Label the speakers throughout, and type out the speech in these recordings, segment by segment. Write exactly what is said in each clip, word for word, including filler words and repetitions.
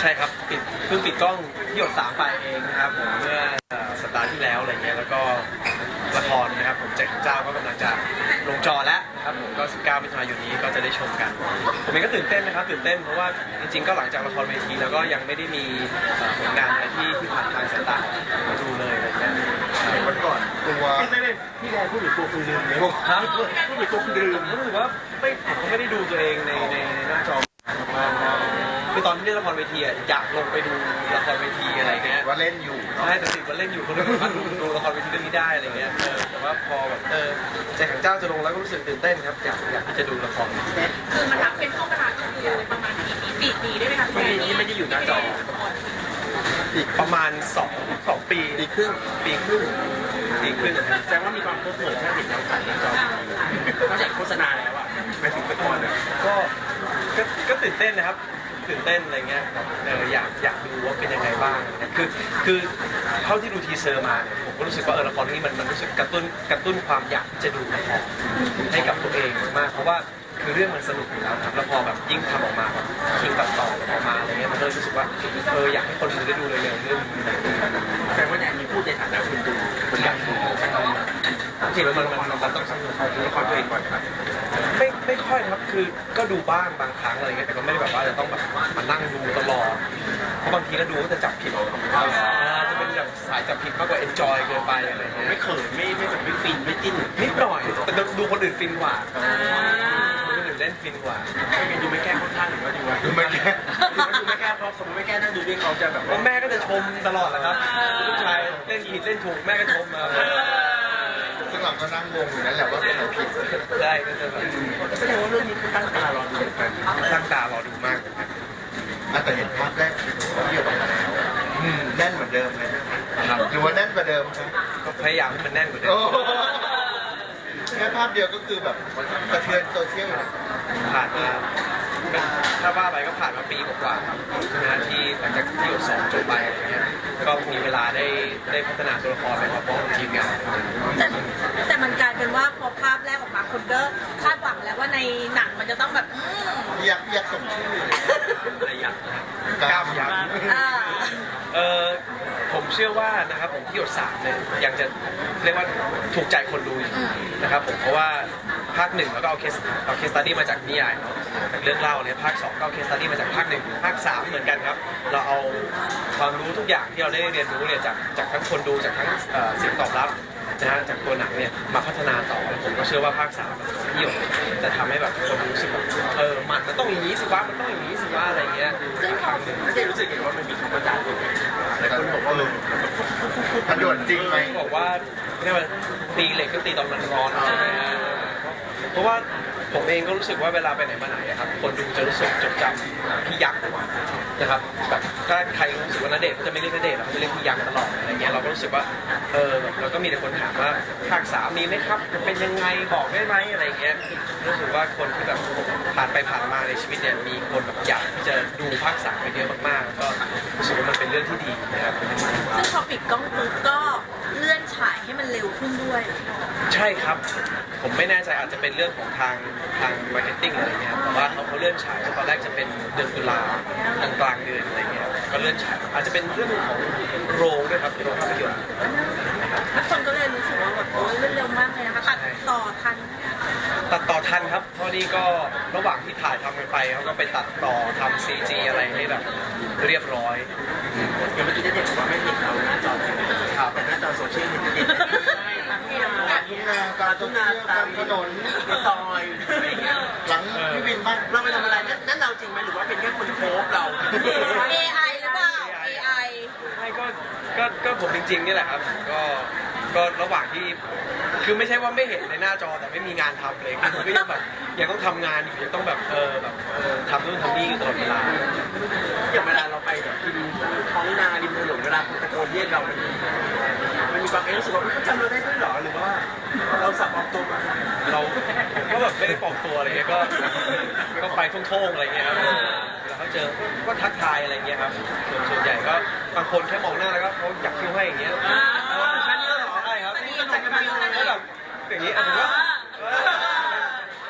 Speaker 1: ช่ครับปิดเพิ่งปิดกล้องที่หยดสามไปเองนะครับผมเมื่อสัปดาห์ที่แล้วอะไรเงี้ยแล้วก็ละครนะครับผมแจ็คเจ้าก็กำลังจะลงจอแล้วนะครับผมก็สิบเก้ามิถุนายนนี้ก็จะได้ชมกันผมเองก็ตื่นเต้นนะครับตื่นเต้นเพราะว่าจริงๆก็หลังจากละครเวทีแล้วก็ยังไม่ได้มีผลงานอะไรที่ที่ผ่านทางสายตามาดูเลยอะไรเงี้ย
Speaker 2: วันก่อนตัว
Speaker 3: พี่แดนพูดถึงตัวคุณลืมเลย
Speaker 1: ฮะ
Speaker 3: พูดถึงตัวคุณลืม
Speaker 1: รู้สึกว่าไม่ผมก็ไม่ได้ดูตัวเองในในในหน้าจอคือตอนที่เล่นละครเวทีอ่ะอยากลงไปดูละครเวทีอะไรเงี้ย
Speaker 2: ว่าเล่นอยู่
Speaker 1: ใช่แต่ติดว่าเล่นอยู่คนนึงสามารถดูดูละครเวทีเรื่องนี้ได้อะไรเงี้ยเออแต่ว่าพอแบบเออใจขังเจ้าจะลงแล้วก็รู้สึกตื่นเต้นครับอยากอยากที่จะดูละคร
Speaker 4: คือมันรับเป็นช่วงเวลาคือประมาณกี่ปีสี่ปีได้ไหมคะ
Speaker 1: ปีนี้ไม่ได้อยู่หน้าจออีกประมาณสองสองปี
Speaker 2: ปีครึ่ง
Speaker 1: ปีครึ่งปีครึ่ง
Speaker 3: แสดงว่ามีความเพลิดเพลินแค่เห็นแล้วกันนะจอนอกจากโฆษณาแล้วอ่ะไปถึงไปก่อน
Speaker 1: ก็ก็ก็ตื่นเต้นนะครับตื่นเต้นอะไรเงี้ยเอออยากอยากดูว่าเป็นยังไงบ้างคือคือเท่าที่ดูทีเซอร์มาเนี่ยผมก็รู้สึกว่าเออละครนี้มันมันรู้สึกกระตุ้นกระตุ้นความอยากที่จะดูละครให้กับตัวเองมากเพราะว่าคือเรื่องมันสนุกอยู่แล้วครับแล้วพอแบบยิ่งทำออกมาแบบทีมตัดต่อออกมาอะไรเงี้ยมันก็เลยรู้สึกว่าเอออยากให้คนดูได้ดูเร็วๆเรื่องนี้
Speaker 3: แสดงว่าเนี่ยมีพูดในฐานะคนดูคนอยากดู
Speaker 1: จริงๆมันมันมันต้องสนุก
Speaker 3: ดูละครตัวเองก่อนครับ
Speaker 1: ไม่ไม่ค่อยครับคือก็ดูบ้างบางครั้งอะไรเงี้ยแต่ก็ไม่ได้แบบว่าจะต้องแบบมานั่งดูตลอดเพราะบางทีก็ดูก็จะจับผิดจะเป็นแบบสายจับผิดมากกว่า enjoy เกินไปอะไรเงี้ย
Speaker 3: ไม่เขินไม่ไม่แบบไม่ฟินไม่จิ้น
Speaker 1: นิดหน่อยแต่ดูคนอื่นฟินกว่าคนอื่นเล่นฟินกว่า
Speaker 3: ไม่เป็นดูไม่แก้ค่อนข้างหรือว่าดูว่า
Speaker 2: ดูไม่แก้
Speaker 3: ดูไม่แก้เพราะสมมติไม่แก้นั่งดูด้วยเขาจะแบบ
Speaker 1: ว่าแม่ก็จะชมตลอดแหละครับลูกชายเล่นผิดเล่นถูกแม่ก็ชมมา
Speaker 2: ซึ่งเราก็นั่งงงอยู่นั่นแหละว่าเป็นอะไรผิด
Speaker 1: ได้ก็จะแบบ
Speaker 3: แสดงว่าเรื่องนี้คือตั้งตารอดูกัน
Speaker 1: ตั้งตารอดูมาก
Speaker 2: แต่เห็นภาพแรกที่ออกมาแล้วแน่นเหมือนเดิมเลยครับหรือว่าแน่นกว่าเดิมครับ
Speaker 1: ก็พยายามให้มันแน่นกว่าเดิม
Speaker 2: แค่ภาพเดียวก็คือแบบกระเทือนโซเชียล
Speaker 1: ผ่านมาถ้าว่าไปก็ผ่านมาปีกว่าๆครับนะที่หลังจากที่หยดสองจบไปอะไรเงี้ยก็มีเวลาได้ได้พัฒนาตัวละครไปพร้อมกับทีมงาน
Speaker 4: แต่แต่มันกลายเป็นว่าพอภาพแรกออกมาคนก็คาดหวังแล้วว่าในหนังมันจะต้องแบบ
Speaker 2: อยากอยากสมชื่อ
Speaker 1: อะไรยักษ์กล้ามยักษ์เออผมเชื่อว่านะครับผมที่หยดสามเนี่ยยังจะเรียกว่าถูกใจคนดูอยู่นะครับผมเพราะว่าภาคหนึ่งแล้วก็เอาเคสเอาเคสตัดดี้มาจากนิยายจากเรื่องเล่าเนี่ยภาคสองก็เอาเคสตัดดี้มาจากภาคหนึ่งภาคสามเหมือนกันครับเราเอาความรู้ทุกอย่างที่เราได้เรียนรู้เนี่ยจากจากทั้งคนดูจากทั้งเสียงตอบรับนะฮะจากตัวหนังเนี่ยมาพัฒนาต่อผมก็เชื่อว่าภาคสามที่หยดจะทำให้แบบคนรู้สึกแบบเออมันมันต้องอย่างนี้สิวะมันต้องอย่างนี้สิวะอะไรเงี้ยครั้งหนึ่ง
Speaker 3: ไม่รู้สึกว่ามันมีคำประจานด้วยแต่คนบอกว่า
Speaker 2: มันด่วนจริงไหม
Speaker 1: บอกว่าเนี่ยมันตีเหล็กก็ตีตอนมันร้อนใช่ไหมฮะเพราะว่าผมเองก็รู้สึกว่าเวลาไปไหนมาไหนครับคนดูจะรู้สึกจดจำพี่ยักษ์นะครับแบบถ้าใครรู้สึกว่าณเดชน์เขาจะไม่เรียกณเดชน์เขาจะเรียกพี่ยักษ์ตลอดอะไรเงี้ยเราก็รู้สึกว่าเออแบบเราก็มีแต่คนถามว่าภาคสามมีไหมครับเป็นยังไงบอกได้ไหมอะไรเงี้ยรู้สึกว่าคนที่แบบผ่านไปผ่านมาในชีวิตเนี่ยมีคนแบบอยากที่จะดูภาคสามไปเยอะมากๆก็รู้สึกว่ามันเป็นเรื่องที่ดีนะครับ
Speaker 4: ซึ่งพอปิดกล้องปุ๊บก็เลื่อนฉายให้มันเร็วขึ้นด้วย
Speaker 1: ใช่ครับผมไม่แน่ใจอาจจะเป็นเรื่องของทางทางมาร์เก็ตติ้งอะไรเงี้ยแต่ว่าเขาเขาเลื่อนฉายตอนแรกจะเป็นเดือนตุลากลางกลางเดือนอะไรเงี้ยก็เลื่อนฉายอาจจะเป็นเรื่องของโรงด้วยครับโรงภาพยนตร์
Speaker 4: ทุกคนก็เลยรู้สึกว่าแบบโอ้ยเร็วมากเลยนะคะตัดต่อทัน
Speaker 1: ตัดต่อทันครับเพราะนี่ก็ระหว่างที่ถ่ายทำกันไปเขาก็ไปตัดต่อทำซีจีอะไรให้แบบเรียบร้อย
Speaker 3: อย่างเมื่อกี้ได้เด็กบอกว่าไม่เห็นเราหน้าจอครับแต่หน้าจอโซเชียลเห็นเด็ก
Speaker 2: ทุ่งนาการทุ่งนาตามถนน
Speaker 3: ในซอย
Speaker 2: หลังพี่วินบ้าน
Speaker 3: เราไปทำอะไรนั่นเราจริงไหมหรือว่าเป็นแค่คนโพสเรา
Speaker 4: เอ ไอ หรือเปล่า เอ ไอ
Speaker 1: ไม่ก็ก็ก็ผมจริงๆนี่แหละครับก็ก็ระหว่างที่คือไม่ใช่ว่าไม่เห็นในหน้าจอแต่ไม่มีงานทำเลยคือก็ยังแบบยังต้องทำงานอยู่ยังต้องแบบเออแบบเออทำนู่นทำนี่อยู่ตลอดเวลา
Speaker 3: อย่างเวลาเราไปแบบกินท้องนาริมถนนเวลาคนตะโกนเรียกเรามันมันมีความเอ๊ะรู้สึกว่าเขาจำเราได้ด้วยหรอหรือว่าเราสับปลอมตัวมา
Speaker 1: เราก็แบบไม่ได้ปลอมตัวอะไรเงี้ยก็ก็ไปท่องๆอะไรเงี้ยครับแล้วเขาเจอก็ทักทายอะไรเงี้ยครับส่วนส่วนใหญ่ก็บางคนแค่มองหน้าแล้วก็เขาอยากคิ้วให้อย่างเงี้ย
Speaker 3: แค่นี้เหรอ
Speaker 1: ใช่ครับแล้วแบบอย่างนี้อ่ะผมว่า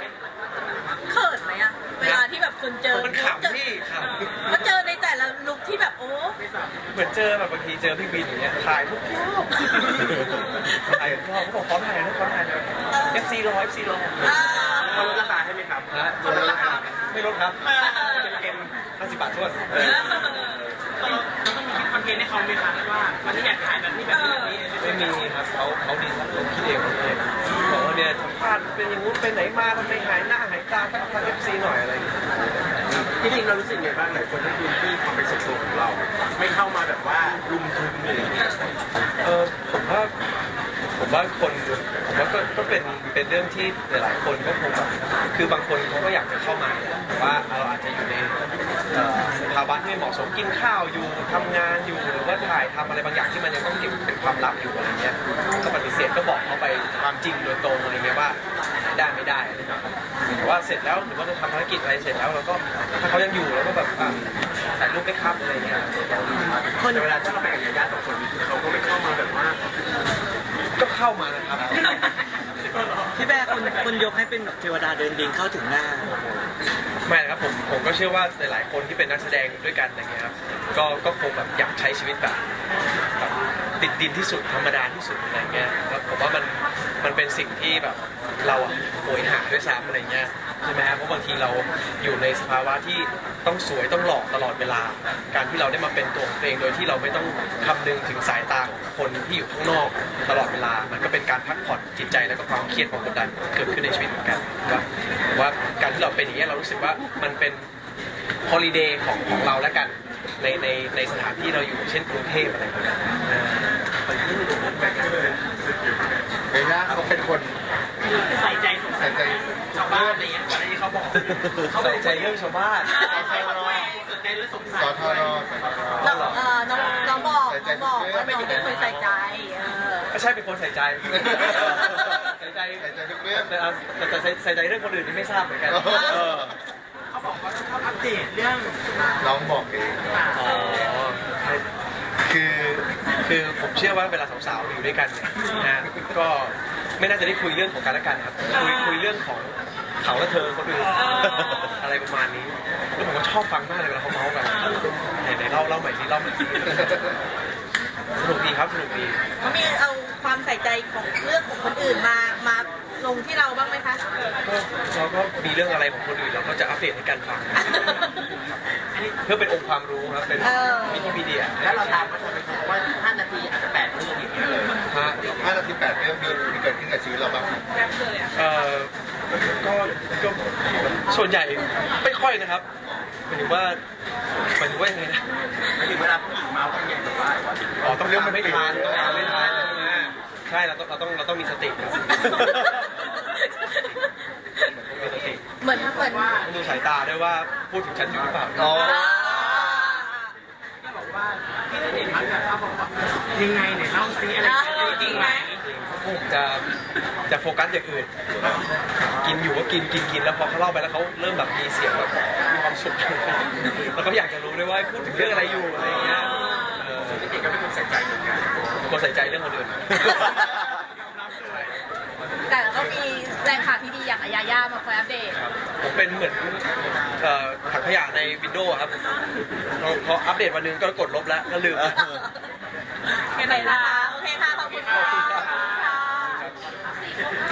Speaker 4: เขินไหมอะเวลาที่แบบคนเจอ
Speaker 1: มันขำที่ขำ
Speaker 4: ก็เจอในแต่ละลุคที่
Speaker 1: เหมือนเจอแบบบางทีเจอพี่บินอย่างเงี้ยถ่ายทุกรอบถ่ายทุกรอบเขาบอกขอถ่ายนะขอถ่ายนะเอฟซีรอเอฟซีรอ
Speaker 4: อ่า
Speaker 3: เขาลดราคาให้ไหมครับ
Speaker 1: นะลดราคาไม่ลดครับเกมห้าสิบบาททวน
Speaker 5: เราต้องมีคิดคอนเทนต์ให้เขาไหมคะว่าวันนี้อยากถ่ายแบบนี้แบบนี้แบบนี้
Speaker 1: ไม่มีครับเขาเขาดีครับเขาคิดเองเลยบอกว่าเนี่ยสัมภาษณ์เป็นอย่างงู้นไปไหนมาทำไมหายหน้าหายตาก็ทางเอฟซีหน่อยอะไรอย่างเงี้ย
Speaker 3: ที่จริงเรารู้สึกไงบ้างหลายคนให้พื้นที่ความเป็นส่วนตัวของเรา ไม่เข้ามาแบบว่ารุมทุนเลย
Speaker 1: เออผมว่าผมว่าคนผมว่าก็ก็เป็นเป็นเรื่องที่หลายๆคนก็คงแบบคือบางคนเขาก็อยากจะเข้ามาแต่ว่าเราอาจจะอยู่ในเอ่อสภาวะที่ไม่เหมาะสมกินข้าวอยู่ทำงานอยู่หรือว่าถ่ายทำอะไรบางอย่างที่มันยังต้องเก็บเป็นความลับอยู่อะไรเงี้ยก็ปฏิเสธก็บอกเขาไปความจริงโดยตรงอะไรเงี้ยว่าได้ไม่ได้อะไรเงี้ยแต่ว่าเสร็จแล้วหรือว่าจะทำภารกิจอะไรเสร็จแล้วเราก็ถ้าเขายังอยู่เราก็แบบอ่ะถ่ายรูปได้ครับอะไรเงี้ย
Speaker 3: คนเวลาที่เราไปกับญาติสองคนเขาก็ไม่เข้ามาแบบว่า
Speaker 1: ก็เข้ามานะครับ
Speaker 6: พี่แบร์คนคนยกให้เป็นแบบเทวดาเดินดินเข้าถึงหน้า
Speaker 1: ไม่นะครับผมผมก็เชื่อว่าหลายๆคนที่เป็นนักแสดงด้วยกันอะไรเงี้ยครับก็ก็คงแบบอยากใช้ชีวิตแบบแบบติดดินที่สุดธรรมดาที่สุดอะไรเงี้ยแล้วผมว่ามันมันเป็นสิ่งที่แบบเราอะโหยหาด้วยซ้ำอะไรเงี้ยใช่ไหมครับเพราะบางทีเราอยู่ในสภาวะที่ต้องสวยต้องหล่อตลอดเวลา การที่เราได้มาเป็นตัวของตัวเองโดยที่เราไม่ต้องคำนึงถึงสายตาของคนที่อยู่ข้างนอกตลอดเวลา มันก็เป็นการพักผ่อนจิตใจแล้วก็ความเครียดความกดดันเกิดขึ้นในชีวิตเหมือนกันว่าว่าการที่เราเป็นอย่างนี้ยเรารู้สึกว่ามันเป็นฮอลิเดย์ของของเราแล้วกันในในในสถานที่เราอยู่เช่นกรุงเทพอะไรแบบนี้อ่า
Speaker 2: เบลล่าเขาเป็นคน
Speaker 5: ใส่ใจสง
Speaker 2: ใส่ใจ
Speaker 5: ชาวบ้านอะไรเงี้ยก่อนหน้านี้เขาบอก
Speaker 1: ใส่ใจเรื่องชาวบ้าน
Speaker 5: ใส่เขาด้วยสนใจหรือสง
Speaker 2: ส
Speaker 5: สัย
Speaker 2: อทอรอสอทอร
Speaker 4: น้
Speaker 2: อ
Speaker 4: องเอ่อน้องน้องบอกน้องบอกว่าน้องเป็นคนใส่ใจเออ
Speaker 1: ก็ใช่เป็นคนใส่ใจใส่ใจ
Speaker 2: ใส่ใจทุกเรื่อง
Speaker 1: แต่เอาแต่แต่ใส่ใส่ใจเรื่องคนอื่นนี่ไม่ทราบเหมือนกัน
Speaker 2: เออ
Speaker 5: เขาบอกว่าชอบอัปเดตเรื่อง
Speaker 2: น้องบอกเอง
Speaker 1: อ๋อคือคือผมเชื่อว่าเวลาสาวๆอยู่ด้วยกันเนี่ยนะก็ไม่น่าจะได้คุยเรื่องของกันและกันครับคุยคุยเรื่องของเขาและเธอคนอื่นอะไรประมาณนี้แล้วผมก็ชอบฟังมากเลยเวลาเขาเมาส์กันไหนไหนเล่าเล่าใหม่สิเล่าใหม่สิสนุกดีครับสนุกดี
Speaker 4: เขามีเอาความใส่ใจของเรื่องของคนอื่นมามาลงที่เราบ้างไหมคะ
Speaker 1: ก็เราก็มีเรื่องอะไรของคนอื่นเราก็จะอัปเดตให้กันฟัง เพื่อเป็นองค์ความรู้ครับเป็นวิกิพีเดีย
Speaker 3: แล้วเราตามมาทำไมเขาบอกว่าห้านาทีอาจจะแปดเรื่องอย่างเงี้ย
Speaker 1: ฮะ
Speaker 2: ห้านาทีแปดเรื่องมีมีเกิดขึ้นกับชีวิตเราบ้าง
Speaker 1: เอ่อก็ก็ส่วนใหญ่ไม่ค่อยนะครับหมายถึงว่าหมายถึงว่ายังไงนะ
Speaker 3: ถึงเวลาผู้หญิงเมาส์กันเนี่ยแบบว่า
Speaker 1: อ๋อต้องเรื่องมันไม่ทานต้องทานไม่ทานใช่ไหมใช่เราต้องเราต้องเราต้องมีสติครับต้องมีสติ
Speaker 4: เหมือนเหมือนว่า
Speaker 1: ต้องดูสายตาด้วยว่าพูดถึงฉันอยู่หรือเปล่า
Speaker 2: อ๋อ
Speaker 5: บอกว่าที่ได้เห็นมันเขาบอกว่ายังไงเนี่ยเล่าซีอะไรจริงไหม
Speaker 1: จะจะโฟกัสอย่างอื่น กินอยู่ก็กินกินกินแล้วพอเขาเล่าไปแล้วเขาเริ่มแบบมีเสียงแบบมีความสุขแล้วก็อยากจะรู้ด้วยว่าพูดถึงเรื่องอะไรอยู่อะไรอย่างเงี้ยเออ
Speaker 3: เด็กๆก็เป็นคนใส่ใจเหมือนกัน
Speaker 1: คนใส่ใจเรื่องคนอื่น
Speaker 4: แต่ก็มีแรงข่าวที่ดีอย่างอายาย่ามาคอยอัปเดต
Speaker 1: ผมเป็นเหมือนเอ่อถังขยะในวินโดว์ครับพอพออัปเดตวันหนึงก็กดลบแล้วก็ลืม
Speaker 4: โอเคนะคะโอเคค่ะ ขอบคุณค่ะ
Speaker 1: ขอบคุณครับ